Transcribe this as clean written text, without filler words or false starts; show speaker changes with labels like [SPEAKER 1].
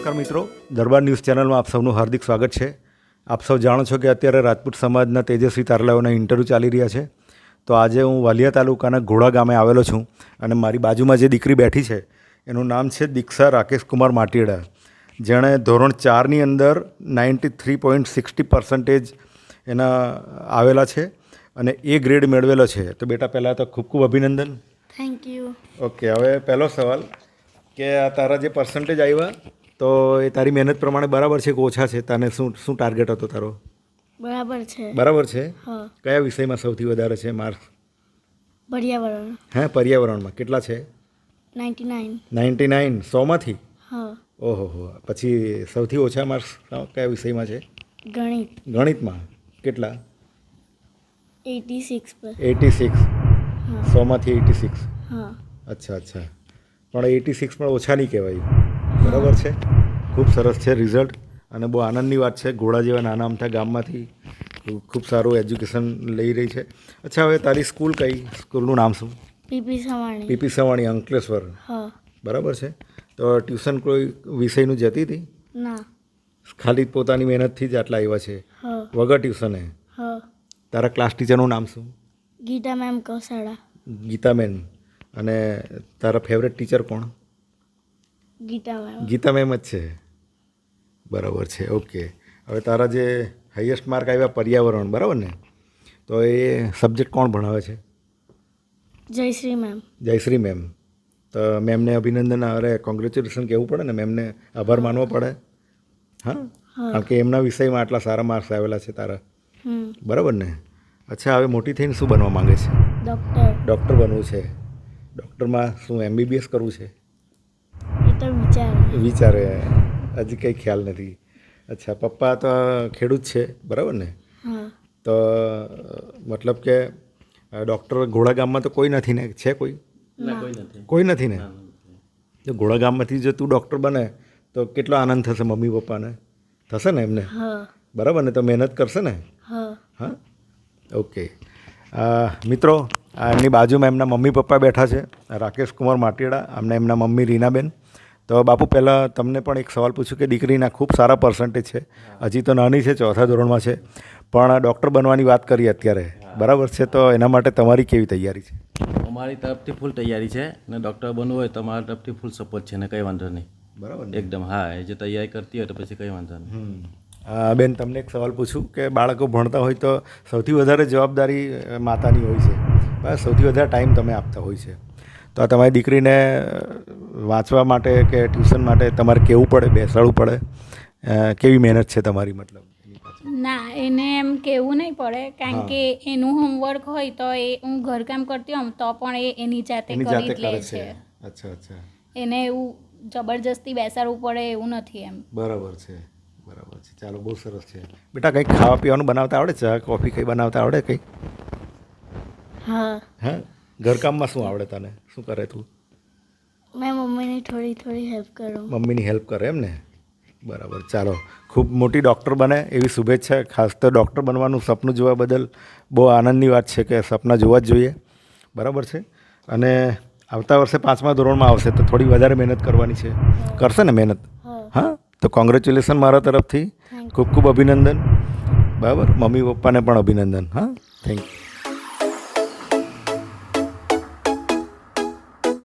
[SPEAKER 1] નમસ્કાર મિત્રો, દરબાર ન્યૂઝ ચેનલમાં આપ સૌનું હાર્દિક સ્વાગત છે. આપ સૌ જાણો છો કે અત્યારે રાજપૂત સમાજના તેજસ્વી તારલાઓના ઇન્ટરવ્યૂ ચાલી રહ્યા છે. તો આજે હું વાલિયા તાલુકાના ઘોડા ગામે આવેલો છું અને મારી બાજુમાં જે દીકરી બેઠી છે એનું નામ છે દીક્ષા રાકેશ કુમાર માટીડા, જેણે ધોરણ 4ની અંદર 93.60% એના આવેલા છે અને એ ગ્રેડ મેળવેલો છે. તો બેટા પહેલાં તો ખૂબ ખૂબ અભિનંદન.
[SPEAKER 2] Thank you.
[SPEAKER 1] ઓકે, હવે પહેલો સવાલ કે આ તારા જે પર્સન્ટેજ આવ્યા તો એ તારી મહેનત પ્રમાણે બરાબર છે કે ઓછા છે? તને શું ટાર્ગેટ હતો તારો?
[SPEAKER 2] બરાબર છે.
[SPEAKER 1] બરાબર છે.
[SPEAKER 2] હા.
[SPEAKER 1] કયા વિષયમાં સૌથી વધારે છે માર્ક્સ?
[SPEAKER 2] પર્યાવરણ.
[SPEAKER 1] હે, પર્યાવરણમાં કેટલા છે?
[SPEAKER 2] 99.
[SPEAKER 1] 99 100માંથી?
[SPEAKER 2] હા.
[SPEAKER 1] ઓહો હો. પછી સૌથી ઓછા માર્ક્સ કયા વિષયમાં છે?
[SPEAKER 2] ગણિત.
[SPEAKER 1] ગણિતમાં કેટલા?
[SPEAKER 2] 86 પર.
[SPEAKER 1] 86.
[SPEAKER 2] હા.
[SPEAKER 1] 100માંથી 86.
[SPEAKER 2] હા.
[SPEAKER 1] અચ્છા. પણ 86 પણ ઓછા નહીં કહેવાય. બરાબર છે, ખૂબ સરસ છે રિઝલ્ટ અને બહુ આનંદની વાત છે. ઘોડા જેવા નાના અમથા ગામમાંથી ખૂબ સારું એજ્યુકેશન લઈ રહી છે. અચ્છા, હવે તારી સ્કૂલ કઈ? સ્કૂલનું નામ શું?
[SPEAKER 2] પીપી સવાણી.
[SPEAKER 1] પીપી સવાણી, અંકલેશ્વર.
[SPEAKER 2] હા.
[SPEAKER 1] બરાબર છે. તો ટ્યુશન કોઈ વિષયનું જતી હતી?
[SPEAKER 2] ના.
[SPEAKER 1] ખાલી પોતાની મહેનતથી જ આટલા આવ્યા છે?
[SPEAKER 2] હા.
[SPEAKER 1] વગર ટ્યુશને?
[SPEAKER 2] હા.
[SPEAKER 1] તારા ક્લાસ ટીચરનું નામ શું?
[SPEAKER 2] ગીતા મેમ કૌસાડા.
[SPEAKER 1] ગીતાબેન. અને તારા ફેવરેટ ટીચર કોણ?
[SPEAKER 2] ગીતા મેમ.
[SPEAKER 1] ગીતા મેમ જ છે. બરાબર છે. ઓકે, હવે તારા જે હાઈએસ્ટ માર્ક આવ્યા પર્યાવરણ, બરાબર ને? તો એ સબ્જેક્ટ કોણ ભણાવે છે?
[SPEAKER 2] જયશ્રી મેમ.
[SPEAKER 1] જયશ્રી મેમ. તો મેમને અભિનંદન, અરે કોંગ્રેચ્યુલેશન કહેવું પડે ને, મેમને આભાર માનવો પડે. હા, કારણ કે એમના વિષયમાં આટલા સારા માર્ક્સ આવેલા છે તારા. બરાબર ને? અચ્છા, હવે મોટી થઈને શું બનવા માંગે છે?
[SPEAKER 2] ડૉક્ટર.
[SPEAKER 1] ડૉક્ટર બનવું છે. ડૉક્ટરમાં શું MBBS કરવું છે?
[SPEAKER 2] એ તો
[SPEAKER 1] વિચારે, હજી કંઈ ખ્યાલ નથી. અચ્છા, પપ્પા તો ખેડૂત છે, બરાબર ને?
[SPEAKER 2] હા.
[SPEAKER 1] તો મતલબ કે ડૉક્ટર ઘોડા ગામમાં તો કોઈ નથી ને? છે કોઈ? કોઈ નથી ને? તો ઘોડા ગામમાંથી જો તું ડૉક્ટર બને તો કેટલો આનંદ થશે મમ્મી પપ્પાને? થશે ને એમને?
[SPEAKER 2] હા.
[SPEAKER 1] બરાબર ને? તો મહેનત કરશે ને?
[SPEAKER 2] હા.
[SPEAKER 1] હા. ઓકે મિત્રો, એમની બાજુમાં એમના મમ્મી પપ્પા બેઠા છે, રાકેશ કુમાર માટીડા, અમને એમના મમ્મી રીનાબેન. તો બાપુ, પહેલાં તમને પણ એક સવાલ પૂછું કે દીકરીના ખૂબ સારા પર્સન્ટેજ છે, હજી તો નાની છે, 4થા ધોરણમાં છે, પણ ડૉક્ટર બનવાની વાત કરી અત્યારે, બરાબર છે? તો એના માટે તમારી કેવી તૈયારી છે?
[SPEAKER 3] અમારી તરફથી ફૂલ તૈયારી છે ને ડૉક્ટર બનવું હોય તો અમારા તરફથી ફૂલ સપોર્ટ છે ને કંઈ વાંધો નહીં.
[SPEAKER 1] બરાબર
[SPEAKER 3] એકદમ. હા, એ જે તૈયારી કરતી હોય તો પછી કંઈ વાંધો નહીં.
[SPEAKER 1] બેન, તમને એક સવાલ પૂછું કે બાળકો ભણતા હોય તો સૌથી વધારે જવાબદારી માતાની હોય છે, બસ સૌથી વધારે ટાઈમ તમે આપતા હોય છે. તો આ તમારી દીકરીને વાંચવા માટે કે ટ્યુશન માટે તમારે કહેવું પડે, બેસાડવું પડે? કેવી મહેનત છે તમારી? મતલબ
[SPEAKER 4] ના, એને એમ કહેવું નહીં પડે, કારણ કે એનું હોમવર્ક હોય તો એ હું ઘરકામ કરતી હોઉં તો પણ એ એની જાતે કરી જ લે છે.
[SPEAKER 1] અચ્છા.
[SPEAKER 4] એને એવું જબરજસ્તી બેસાડવું પડે એવું નથી એમ.
[SPEAKER 1] બરાબર છે. ચાલો, બહુ સરસ છે. બેટા, કંઈક ખાવા પીવાનું બનાવતા આવડે? ચા કોફી કંઈ બનાવતા આવડે કંઈ?
[SPEAKER 2] હા.
[SPEAKER 1] ઘરકામમાં શું આવડે તને? શું કરે તું?
[SPEAKER 2] મેં મમ્મીની થોડી હેલ્પ કરું.
[SPEAKER 1] મમ્મીની હેલ્પ કરે એમ ને? બરાબર. ચાલો, ખૂબ મોટી ડૉક્ટર બને એવી શુભેચ્છા. ખાસ તો ડૉક્ટર બનવાનું સપનું જોવા બદલ બહુ આનંદની વાત છે કે સપના જોવા જ જોઈએ, બરાબર છે? અને આવતા વર્ષે 5મા ધોરણમાં આવશે તો થોડી વધારે મહેનત કરવાની છે. કરશે ને મહેનત? હા. તો કોંગ્રેચ્યુલેશન મારા તરફથી. ખૂબ ખૂબ અભિનંદન. બરાબર, મમ્મી પપ્પાને પણ અભિનંદન. હા, થેન્ક યુ.